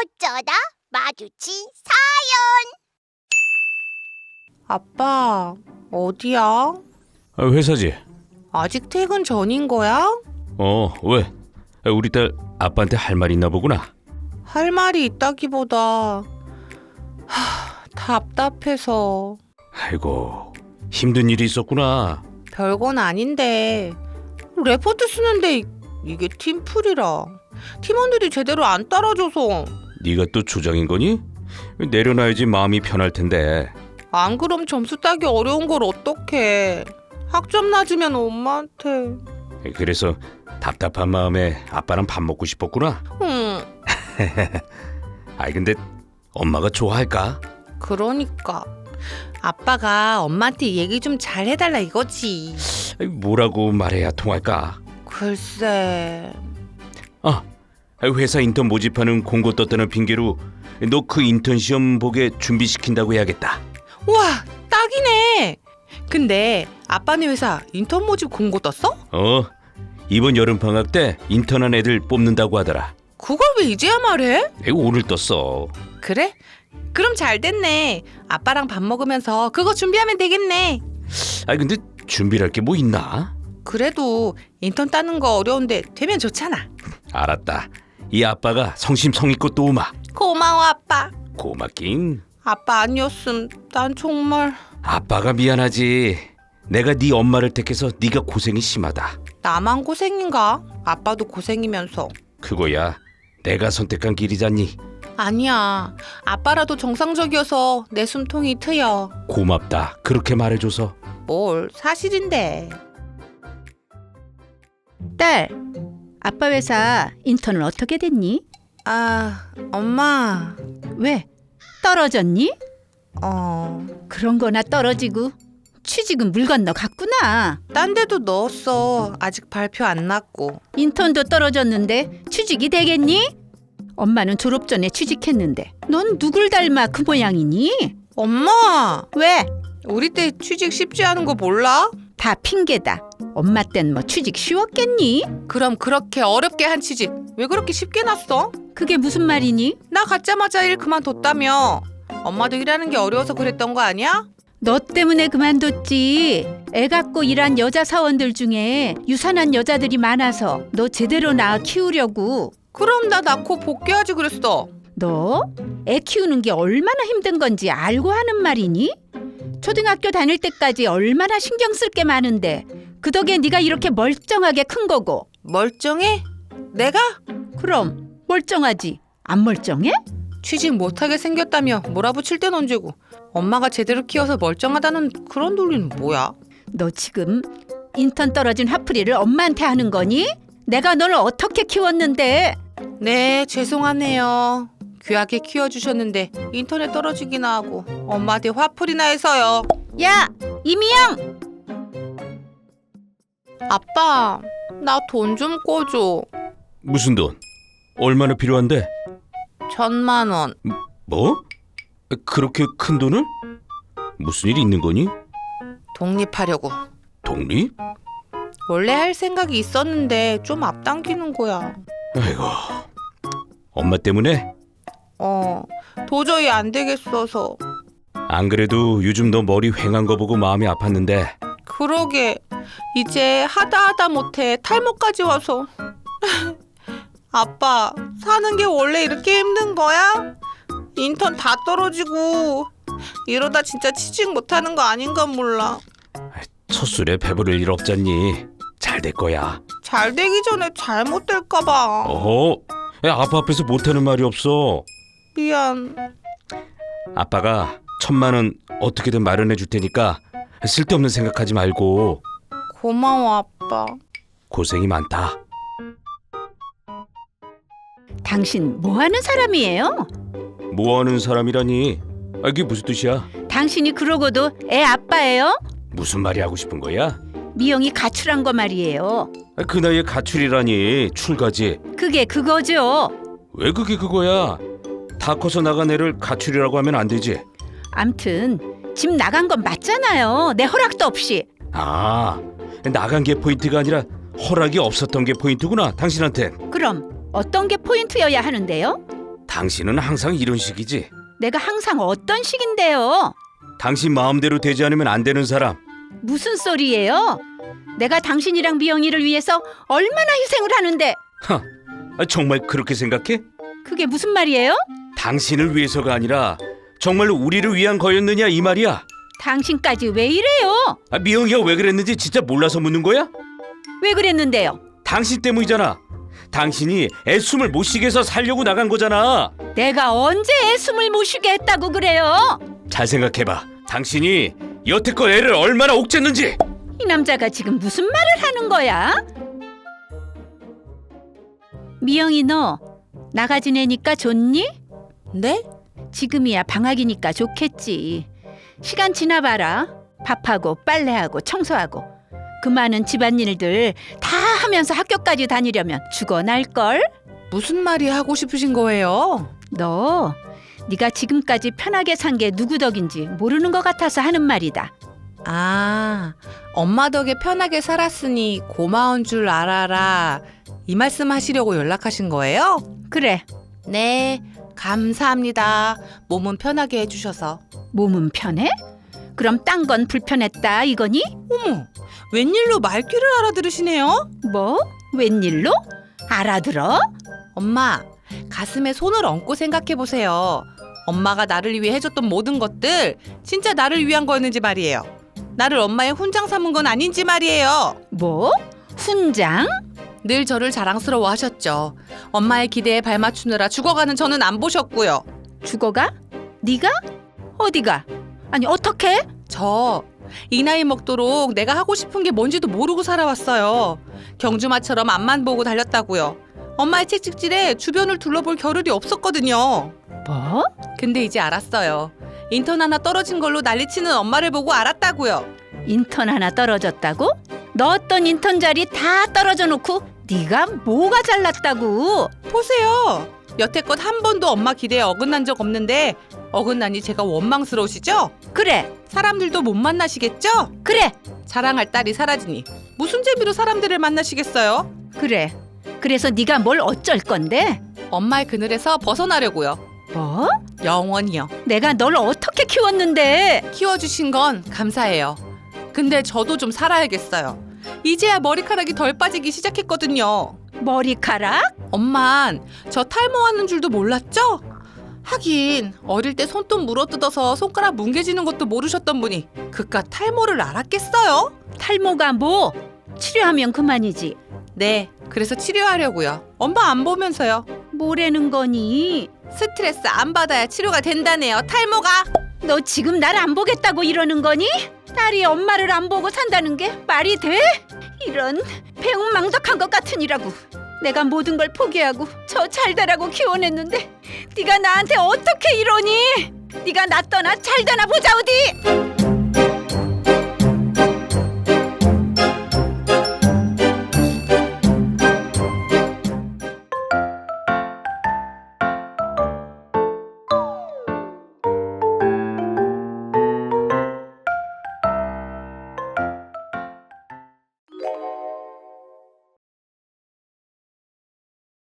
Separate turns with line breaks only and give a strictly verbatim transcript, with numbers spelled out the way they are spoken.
어쩌다 마주친
아빠, 어디야?
아, 회사지.
아직 퇴근 전인 거야?
어, 왜? 아, 우리 딸 아빠한테 할 말 있나 보구나.
할 말이 있다기보다 하, 답답해서.
아이고, 힘든 일이 있었구나.
별건 아닌데 레포트 쓰는데 이- 이게 팀플이라 팀원들이 제대로 안 따라줘서.
네가 또 조장인 거니? 내려놔야지 마음이 편할 텐데.
안 그럼 점수 따기 어려운 걸 어떡해. 학점 낮으면 엄마한테.
그래서 답답한 마음에 아빠랑 밥 먹고 싶었구나.
응,
아이 근데 엄마가 좋아할까?
그러니까 아빠가 엄마한테 얘기 좀 잘 해달라 이거지.
아이, 뭐라고 말해야 통할까?
글쎄.
아, 회사 인턴 모집하는 공고 떴다는 핑계로 너 그 인턴 시험 보게 준비시킨다고 해야겠다.
와, 딱이네. 근데 아빠네 회사 인턴 모집 공고 떴어?
어, 이번 여름방학 때 인턴한 애들 뽑는다고 하더라.
그걸 왜 이제야 말해?
이거 오늘 떴어.
그래? 그럼 잘 됐네. 아빠랑 밥 먹으면서 그거 준비하면 되겠네.
아니 근데 준비할 게 뭐 있나?
그래도 인턴 따는 거 어려운데 되면 좋잖아.
알았다. 이 아빠가 성심성의껏 도우마.
고마워 아빠.
고맙긴.
아빠 아니었음 난 정말.
아빠가 미안하지. 내가 네 엄마를 택해서 네가 고생이 심하다.
나만 고생인가? 아빠도 고생이면서.
그거야 내가 선택한 길이잖니.
아니야. 아빠라도 정상적이어서 내 숨통이 트여.
고맙다. 그렇게 말해줘서.
뭘 사실인데.
딸, 아빠 회사 인턴은 어떻게 됐니?
아, 엄마.
왜? 떨어졌니?
어,
그런 거나 떨어지고 취직은 물 건너 갔구나.
딴 데도 넣었어. 아직 발표 안 났고.
인턴도 떨어졌는데 취직이 되겠니? 엄마는 졸업 전에 취직했는데 넌 누굴 닮아 그 모양이니?
엄마!
왜?
우리 때 취직 쉽지 않은 거 몰라?
다 핑계다. 엄마 땐 뭐 취직 쉬웠겠니?
그럼 그렇게 어렵게 한 취직 왜 그렇게 쉽게 났어?
그게 무슨 말이니?
나 갖자마자 일 그만뒀다며. 엄마도 일하는 게 어려워서 그랬던 거 아니야?
너 때문에 그만뒀지. 애 갖고 일한 여자 사원들 중에 유산한 여자들이 많아서 너 제대로 낳아 키우려고.
그럼 나 낳고 복귀하지 그랬어.
너 애 키우는 게 얼마나 힘든 건지 알고 하는 말이니? 초등학교 다닐 때까지 얼마나 신경 쓸 게 많은데 그 덕에 네가 이렇게 멀쩡하게 큰 거고.
멀쩡해? 내가?
그럼 멀쩡하지. 안 멀쩡해?
취직 못하게 생겼다며 몰아붙일 땐 언제고. 엄마가 제대로 키워서 멀쩡하다는 그런 논리는 뭐야?
너 지금 인턴 떨어진 화풀이를 엄마한테 하는 거니? 내가 널 어떻게 키웠는데?
네, 죄송하네요. 귀하게 키워주셨는데 인터넷 떨어지기나 하고 엄마한테 화풀이나 해서요.
야, 이미영!
아빠, 나 돈 좀 꿔줘.
무슨 돈? 얼마나 필요한데?
천만 원.
뭐? 그렇게 큰 돈을? 무슨 일이 있는 거니?
독립하려고.
독립?
원래 할 생각이 있었는데 좀 앞당기는 거야.
아이고, 엄마 때문에?
어, 도저히 안 되겠어서.
안 그래도 요즘 너 머리 휑한 거 보고 마음이 아팠는데.
그러게 이제 하다 하다 못해 탈모까지 와서. 아빠, 사는 게 원래 이렇게 힘든 거야? 인턴 다 떨어지고 이러다 진짜 취직 못하는 거 아닌가 몰라.
첫 술에 배부를 일 없잖니. 잘 될 거야.
잘 되기 전에 잘못될까 봐.
어허, 야, 아빠 앞에서 못하는 말이 없어.
미안.
아빠가 천만 원 어떻게든 마련해 줄 테니까 쓸데없는 생각하지 말고.
고마워 아빠.
고생이 많다.
당신 뭐 하는 사람이에요?
뭐하는 사람이라니? 아, 이게 무슨 뜻이야?
당신이 그러고도 애 아빠예요?
무슨 말이 하고 싶은 거야?
미영이 가출한 거 말이에요.
아, 그 나이에 가출이라니. 출가지.
그게 그거죠.
왜 그게 그거야? 다 커서 나간 애를 가출이라고 하면 안 되지.
암튼 집 나간 건 맞잖아요. 내 허락도 없이.
아, 나간 게 포인트가 아니라 허락이 없었던 게 포인트구나, 당신한테.
그럼 어떤 게 포인트여야 하는데요?
당신은 항상 이런 식이지.
내가 항상 어떤 식인데요?
당신 마음대로 되지 않으면 안 되는 사람.
무슨 소리예요? 내가 당신이랑 미영이를 위해서 얼마나 희생을 하는데
하, 아, 정말 그렇게 생각해?
그게 무슨 말이에요?
당신을 위해서가 아니라 정말로 우리를 위한 거였느냐 이 말이야.
당신까지 왜 이래요?
아, 미영이가 왜 그랬는지 진짜 몰라서 묻는 거야?
왜 그랬는데요?
당신 때문이잖아. 당신이 애숨을 못 쉬게 해서 살려고 나간 거잖아.
내가 언제 애 숨을 못 쉬게 했다고 그래요?
잘 생각해봐. 당신이 여태껏 애를 얼마나 옥죄는지.
이 남자가 지금 무슨 말을 하는 거야? 미영이 너 나가 지내니까 좋니?
네?
지금이야 방학이니까 좋겠지. 시간 지나봐라. 밥하고 빨래하고 청소하고 그 많은 집안일들 다 하면서 학교까지 다니려면 죽어날걸?
무슨 말이 하고 싶으신 거예요?
너 네가 지금까지 편하게 산 게 누구 덕인지 모르는 것 같아서 하는 말이다.
아, 엄마 덕에 편하게 살았으니 고마운 줄 알아라. 이 말씀 하시려고 연락하신 거예요?
그래,
네, 감사합니다. 몸은 편하게 해주셔서.
몸은 편해? 그럼 딴 건 불편했다 이거니?
어머, 웬일로 말귀를 알아들으시네요?
뭐? 웬일로? 알아들어?
엄마, 가슴에 손을 얹고 생각해보세요. 엄마가 나를 위해 해줬던 모든 것들 진짜 나를 위한 거였는지 말이에요. 나를 엄마의 훈장 삼은 건 아닌지 말이에요.
뭐? 훈장?
늘 저를 자랑스러워 하셨죠. 엄마의 기대에 발맞추느라 죽어가는 저는 안 보셨고요.
죽어가? 네가? 어디가? 아니 어떻게?
저 이 나이 먹도록 내가 하고 싶은 게 뭔지도 모르고 살아왔어요. 경주마처럼 앞만 보고 달렸다고요. 엄마의 채찍질에 주변을 둘러볼 겨를이 없었거든요.
뭐?
근데 이제 알았어요. 인턴 하나 떨어진 걸로 난리치는 엄마를 보고 알았다고요.
인턴 하나 떨어졌다고? 넣었던 인턴 자리 다 떨어져 놓고 네가 뭐가 잘났다고?
보세요. 여태껏 한 번도 엄마 기대에 어긋난 적 없는데 어긋나니 제가 원망스러우시죠?
그래,
사람들도 못 만나시겠죠?
그래,
자랑할 딸이 사라지니 무슨 재미로 사람들을 만나시겠어요?
그래. 그래서 네가 뭘 어쩔 건데?
엄마의 그늘에서 벗어나려고요.
뭐?
영원히요.
내가 널 어떻게 키웠는데?
키워주신 건 감사해요. 근데 저도 좀 살아야겠어요. 이제야 머리카락이 덜 빠지기 시작했거든요.
머리카락?
엄만 저 탈모하는 줄도 몰랐죠? 하긴 어릴 때 손톱 물어뜯어서 손가락 뭉개지는 것도 모르셨던 분이 그깟 탈모를 알았겠어요?
탈모가 뭐? 치료하면 그만이지.
네, 그래서 치료하려고요. 엄마 안 보면서요.
뭐라는 거니?
스트레스 안 받아야 치료가 된다네요. 탈모가.
너 지금 날 안 보겠다고 이러는 거니? 딸이 엄마를 안 보고 산다는 게 말이 돼? 이런 배은망덕한 것 같으니라고. 내가 모든 걸 포기하고 저 잘되라고 키워냈는데 네가 나한테 어떻게 이러니? 네가 나 떠나 잘되나 보자 어디?